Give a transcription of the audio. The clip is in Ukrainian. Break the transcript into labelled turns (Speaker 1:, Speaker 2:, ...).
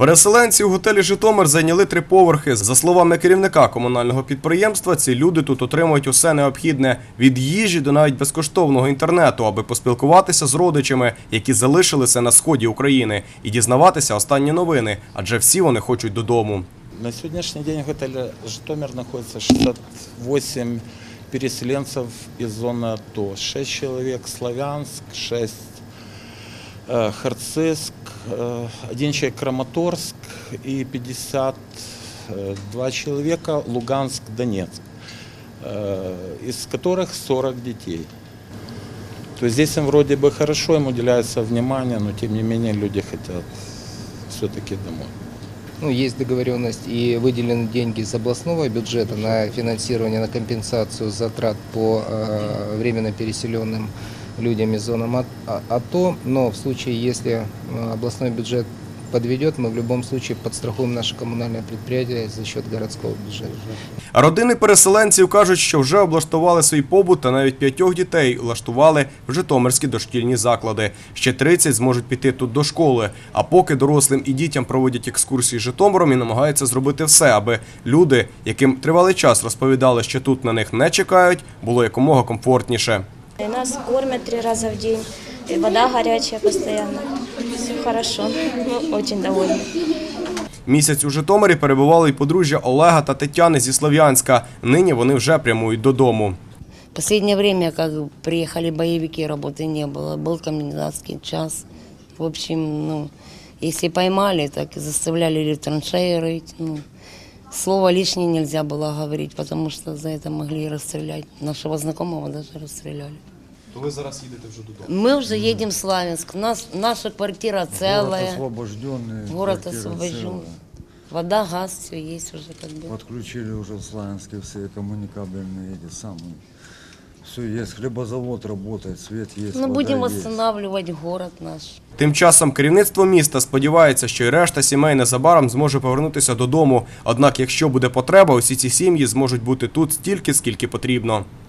Speaker 1: Переселенці у готелі «Житомир» зайняли 3 поверхи. За словами керівника комунального підприємства, ці люди тут отримують усе необхідне – від їжі до навіть безкоштовного інтернету, аби поспілкуватися з родичами, які залишилися на сході України, і дізнаватися останні новини, адже всі вони хочуть додому.
Speaker 2: На сегодняшний день в готеле «Житомир» находится 68 переселенцев из зоны АТО. 6 человек Славянск, 6 Харциск, 1 человек Краматорск и 52 человека Луганск, Донецк, из которых 40 детей. То есть здесь им вроде бы хорошо, им уделяется внимание, но тем не менее люди хотят все-таки домой.
Speaker 3: Есть договоренность и выделены деньги из областного бюджета на финансирование, на компенсацию затрат по временно переселенным людям из зоны АТО. Но в случае, если областной бюджет подведет, мы в любом случае подстрахуем наше коммунальное предприятие за счет городского бюджета.
Speaker 1: А родини переселенців кажуть, що вже облаштували свій побут та навіть 5 дітей влаштували в житомирські дошкільні заклади. Ще 30 зможуть піти тут до школи. А поки дорослим і дітям проводять екскурсії Житомиром і намагаються зробити все, аби люди, яким тривалий час розповідали, що тут на них не чекають, було якомога комфортніше.
Speaker 4: Нас кормят 3 раза в день, и вода горячая постоянно. Все хорошо, мы очень довольны.
Speaker 1: Місяць у Житомирі перебували й подружжя Олега та Тетяни зі Слов'янська. Нині вони вже прямують додому.
Speaker 5: В последнее время, как приехали боевики, работы не было, был комендантский час. В общем, если поймали, так заставляли или в траншеи рыть. Слово лишнее нельзя было говорить, потому что за это могли расстрелять. Нашего знакомого даже расстреляли.
Speaker 1: То ви зараз їдете вже додому?
Speaker 5: Мы уже едем в Славянск. Наша квартира целая.
Speaker 6: Город
Speaker 5: освобожден. Вода, газ, все есть уже как бы.
Speaker 6: Подключили уже в Славянске все коммуникабельные эти самые. Все есть, хлебозавод работает, свет есть, вода
Speaker 5: Будем
Speaker 6: есть.
Speaker 5: восстанавливать город наш.
Speaker 1: Тим часом керівництво міста сподівається, що й решта сімей незабаром зможе повернутися додому. Однак, якщо буде потреба, усі ці сім'ї зможуть бути тут стільки, скільки потрібно.